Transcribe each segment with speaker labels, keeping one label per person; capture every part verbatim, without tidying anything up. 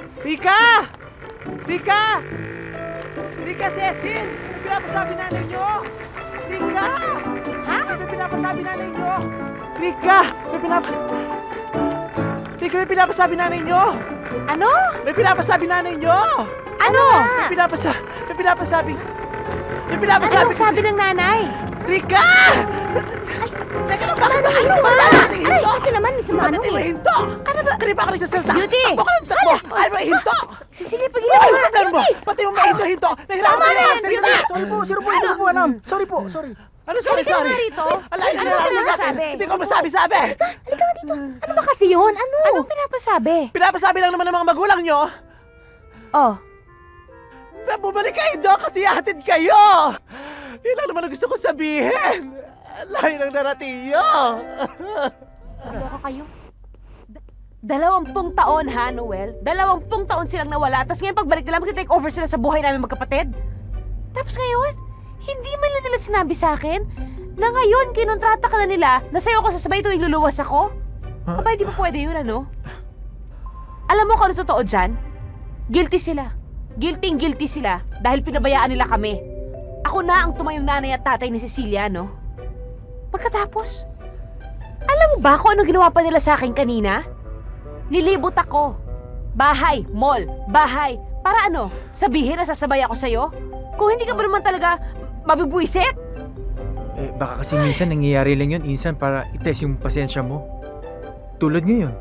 Speaker 1: Rika! Rika! Rika, Cecil! May pinapasabi nanay nyo! Rika!
Speaker 2: Ha?
Speaker 1: May pinapasabi nanay nyo! Rika! May pinap... Rika, may pinapasabi nanay nyo!
Speaker 2: Ano?
Speaker 1: May pinapasabi nanay nyo!
Speaker 2: Ano?
Speaker 1: May pinapasa... May pinapasabi... May pinapasabi...
Speaker 2: Anong sabi ng nanay?
Speaker 1: Rika! Teka lang, bakit ba?
Speaker 2: Ano ba?
Speaker 1: Bakit ba kasi
Speaker 2: Aray,
Speaker 1: hinto?
Speaker 2: kasi naman, si
Speaker 1: Bakit
Speaker 2: Manong
Speaker 1: di mo
Speaker 2: eh.
Speaker 1: hinto?
Speaker 2: Ano ba?
Speaker 1: Kanina pa ka nagsasalta.
Speaker 2: Beauty!
Speaker 1: Takbo ka ng takbo! Ayaw mo hinto!
Speaker 2: Cecilia,
Speaker 1: Ano
Speaker 2: pagilan
Speaker 1: yung
Speaker 2: mo.
Speaker 1: problema mo? Pati mo mahinto-hinto. Nahirapan
Speaker 2: Tama
Speaker 1: ka
Speaker 2: na
Speaker 1: na.
Speaker 2: yan, Beauty!
Speaker 3: Sorry po, sorry po, hindi po alam. Sorry po, sorry.
Speaker 1: Ano, sorry,
Speaker 2: Halika
Speaker 1: sorry.
Speaker 2: nga rito.
Speaker 1: Alay,
Speaker 2: Ano
Speaker 1: alay,
Speaker 2: ba
Speaker 1: alay,
Speaker 2: pinapasabi?
Speaker 1: Hindi ko masabi-sabi.
Speaker 2: Halika nga dito. Ano ba kasi yun? Ano? Anong pinapasabi?
Speaker 1: Pinapasabi lang naman ng mga magulang nyo
Speaker 2: Oh.
Speaker 1: na bumalik kayo doon kasi hatid kayo. Yun lang naman ang gusto ko sabihin. Layo ng naratiyo.
Speaker 2: Ano kayo? Da- Dalawampung taon ha, Noel? Dalawampung taon silang nawala, tapos ngayon pagbalik nila, mag-take over sila sa buhay namin magkapatid? Tapos ngayon, hindi man lang nila sinabi sa akin na ngayon kinontrata ka na nila na sa'yo ako sasabay tuwing luluwas ako?
Speaker 1: Huh?
Speaker 2: Aba, hindi pa pwede yun, ano? Alam mo kung ano totoo dyan? Guilty sila. Guilty-guilty sila dahil pinabayaan nila kami. Ako na ang tumayong nanay at tatay ni Cecilia, no? Pagkatapos, alam mo ba kung ano ginawa pa nila sa akin kanina? Nilibot ako. Bahay, mall, bahay. Para ano? Sabihin na sasabay ako sa'yo? Kung hindi ka ba naman talaga mabibwisit?
Speaker 4: Eh, baka kasi minsan nangyayari lang yun, insan para itest yung pasensya mo. Tulad ngayon,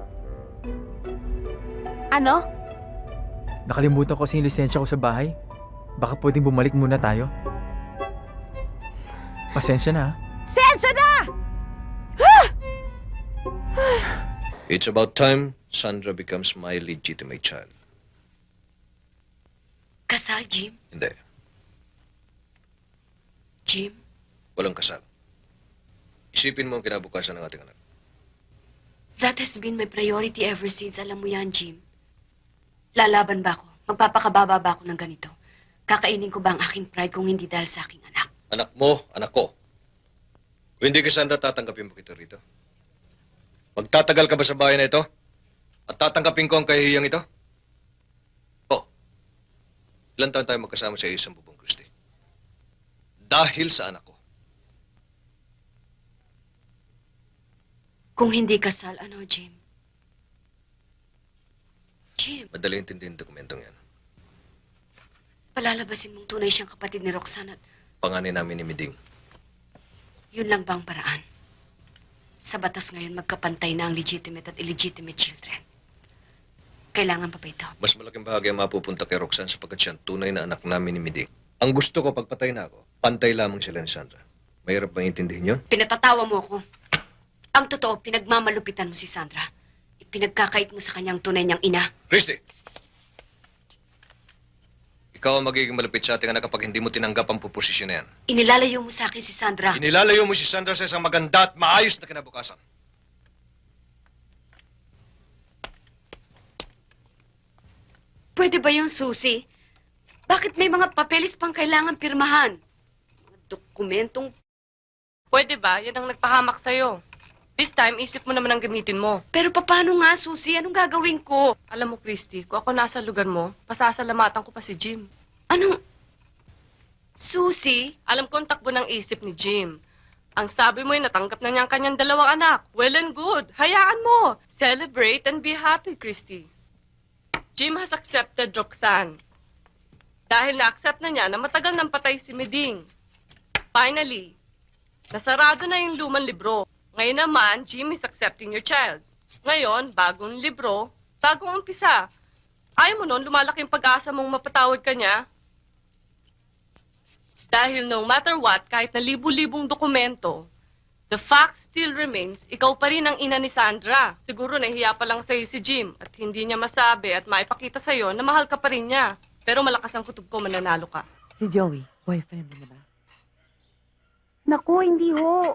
Speaker 2: Ano?
Speaker 4: nakalimutan ko kasi yung lisensya ko sa bahay. Baka pwedeng bumalik muna tayo. Pasensya na, ha?
Speaker 2: Sensya na!
Speaker 5: It's about time Sandra becomes my legitimate child.
Speaker 6: Kasal, Jim?
Speaker 5: Hindi.
Speaker 6: Jim?
Speaker 5: Walang kasal. Isipin mo ang kinabukasan ng ating anak.
Speaker 6: That has been my priority ever since. Alam mo yan, Jim. Lalaban ba ako? Magpapakababa ba ako ng ganito? Kakainin ko ba ang aking pride kung hindi dahil sa aking anak?
Speaker 5: Anak mo, anak ko. Kung hindi ka, Sandra, tatanggapin mo kita rito. Magtatagal ka ba sa bahay na ito? At tatanggapin ko ang kahihiyang ito? Oh. Ilan taon tayo magkasama sa isang bubong, Christy? Dahil sa anak ko.
Speaker 6: Kung hindi kasal, ano, Jim? Jim,
Speaker 5: Madali intindihin ang dokumentong yan.
Speaker 6: palalabasin mong tunay siyang kapatid ni Roxanne at
Speaker 5: Panganin namin ni Miding.
Speaker 6: yun lang bang paraan? Sa batas ngayon, magkapantay na ang legitimate at illegitimate children. Kailangan pa ba ito?
Speaker 5: Mas malaking bahagi ang mapupunta kay Roxanne sapagkat siya ang tunay na anak namin ni Miding. Ang gusto ko, pagpatay na ako, pantay lamang sila ni Sandra. Mahirap bang intindihin yun?
Speaker 6: Pinatatawa mo ako. Ang totoo, pinagmamalupitan mo si Sandra. Ipinagkakait mo sa kanyang tunay niyang ina.
Speaker 5: Christy! Ikaw ang magiging malupit sa ating anak kapag hindi mo tinanggap ang puposisyon na yan.
Speaker 6: Inilalayo mo sa akin si Sandra.
Speaker 5: Inilalayo mo si Sandra sa isang maganda at maayos na kinabukasan.
Speaker 6: Pwede ba yung susi? Bakit may mga papeles pang kailangan pirmahan? Mga dokumentong...
Speaker 7: Pwede ba? Yan ang nagpahamak sa'yo. This time, isip mo naman ang gamitin mo.
Speaker 6: Pero paano nga, Susi? Anong gagawin ko?
Speaker 7: Alam mo, Christy, kung ako nasa lugar mo, pasasalamatan ko pa si Jim.
Speaker 6: Anong... Susi?
Speaker 7: Alam ko ang takbo ng isip ni Jim. Ang sabi mo ay natanggap na niya ang kanyang dalawang anak. Well and good. Hayaan mo. Celebrate and be happy, Christy. Jim has accepted Roxanne. Dahil na-accept na niya na matagal nang patay si Meding. Finally, nasarado na yung lumang libro. Ngayon naman, Jim is accepting your child. Ngayon, bagong libro, bagong umpisa. Ayaw mo nun, lumalaki yung pag-asa mong mapatawad ka niya. Dahil no matter what, kahit na libu-libong dokumento, the fact still remains, ikaw pa rin ang ina ni Sandra. Siguro nahihiya pa lang sa'yo si Jim at hindi niya masabi at maipakita sa'yo na mahal ka pa rin niya. Pero malakas ang kutob ko, mananalo ka.
Speaker 8: Si Joey, boyfriend mo na ba?
Speaker 9: Naku, hindi ho.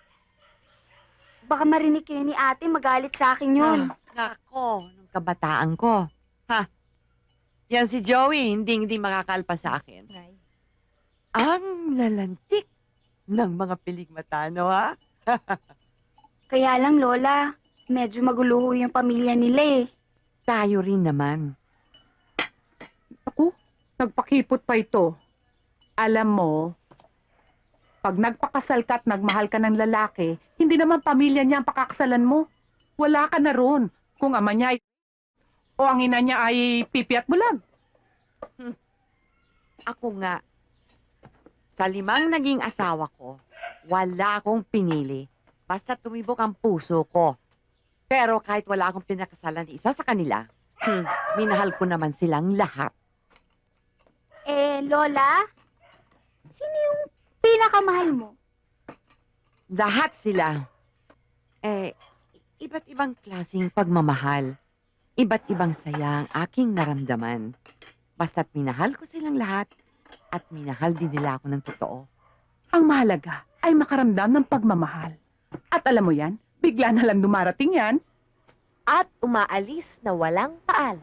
Speaker 9: Baka marinig kayo ni ate, magalit sa akin yun.
Speaker 8: Ah, nako, nung kabataan ko. Ha? Yan si Joey, hindi hindi makakalpa sa akin. Ang lalantik ng mga piligmatano, ha?
Speaker 9: Kaya lang, Lola, medyo magulo ho yung pamilya nila eh.
Speaker 8: Tayo rin naman.
Speaker 10: Nagpakipot pa ito. Alam mo, pag nagpakasal ka at nagmahal ka ng lalaki, hindi naman pamilya niya ang pakakasalan mo. Wala ka na ron. Kung ama niya ay o ang ina niya ay pipi at bulag.
Speaker 8: Ako nga, sa limang naging asawa ko, wala akong pinili. Basta tumibok ang puso ko. Pero kahit wala akong pinakasalan ni isa sa kanila, hmm, minahal ko naman silang lahat.
Speaker 9: Eh, Lola, sino yung pinakamahal mo?
Speaker 8: Lahat sila. Eh, iba't ibang klaseng pagmamahal. Iba't ibang saya ang aking naramdaman. Basta't minahal ko silang lahat at minahal din nila ako ng totoo.
Speaker 10: Ang mahalaga ay makaramdam ng pagmamahal. At alam mo yan, bigla na lang dumarating yan.
Speaker 2: At umaalis na walang paalam.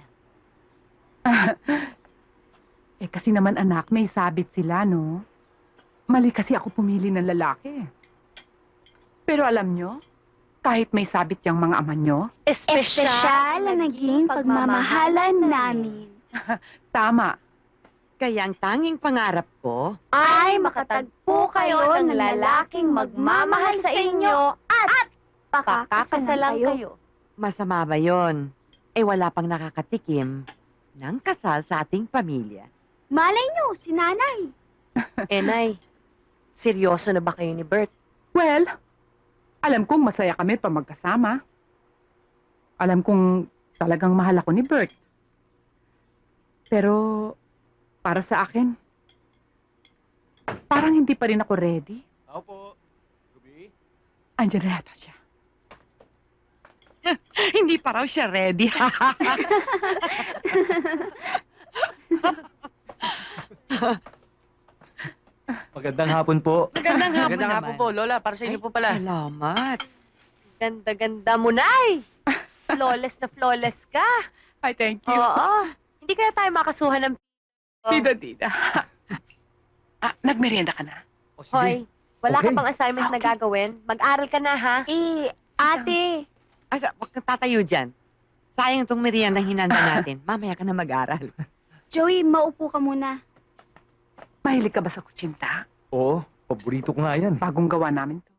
Speaker 10: Eh kasi naman anak, may sabit sila, no? Mali kasi ako pumili ng lalaki. Pero alam nyo, kahit may sabit yung mga ama nyo,
Speaker 9: Espesyal ang naging pagmamahalan namin.
Speaker 10: tama.
Speaker 8: Kaya ang tanging pangarap ko,
Speaker 9: Ay makatagpo kayo ng lalaking magmamahal sa inyo at pakakasalan kayo.
Speaker 8: masama ba yon? Eh wala pang nakakatikim ng kasal sa ating pamilya.
Speaker 9: Malay nyo, si nanay.
Speaker 2: Eh, Nay, seryoso na ba kayo ni Bert?
Speaker 10: Well, alam kong masaya kami pa magkasama. Alam kong talagang mahal ako ni Bert. Pero, para sa akin, parang hindi pa rin ako ready.
Speaker 1: Ako po. Ruby?
Speaker 10: Andiyan na yata siya.
Speaker 8: Hindi pa raw siya ready.
Speaker 4: Magandang hapon po.
Speaker 8: Magandang hapon
Speaker 3: Magandang
Speaker 8: naman.
Speaker 3: hapon po, Lola. Para sa inyo po pala.
Speaker 8: Salamat.
Speaker 2: Ganda-ganda mo, Nay! Flawless na flawless ka.
Speaker 10: Ay, thank you.
Speaker 2: Oo. Hindi kaya tayo makasuhan ng...
Speaker 10: Tida, tida. ah, nagmerienda ka na?
Speaker 3: O, sige.
Speaker 2: Hoy, wala ka
Speaker 4: Okay.
Speaker 2: pang assignment na gagawin? Mag-aral ka na, ha?
Speaker 9: Eh, ate,
Speaker 8: Asa, wag kang tatayo dyan. Sayang itong meriendang hinanda natin. Mamaya ka na mag-aral.
Speaker 9: Joey, maupo ka muna.
Speaker 10: Mahilig ka ba sa kutsinta?
Speaker 4: Oo, paborito ko nga yan.
Speaker 10: Bagong gawa namin to.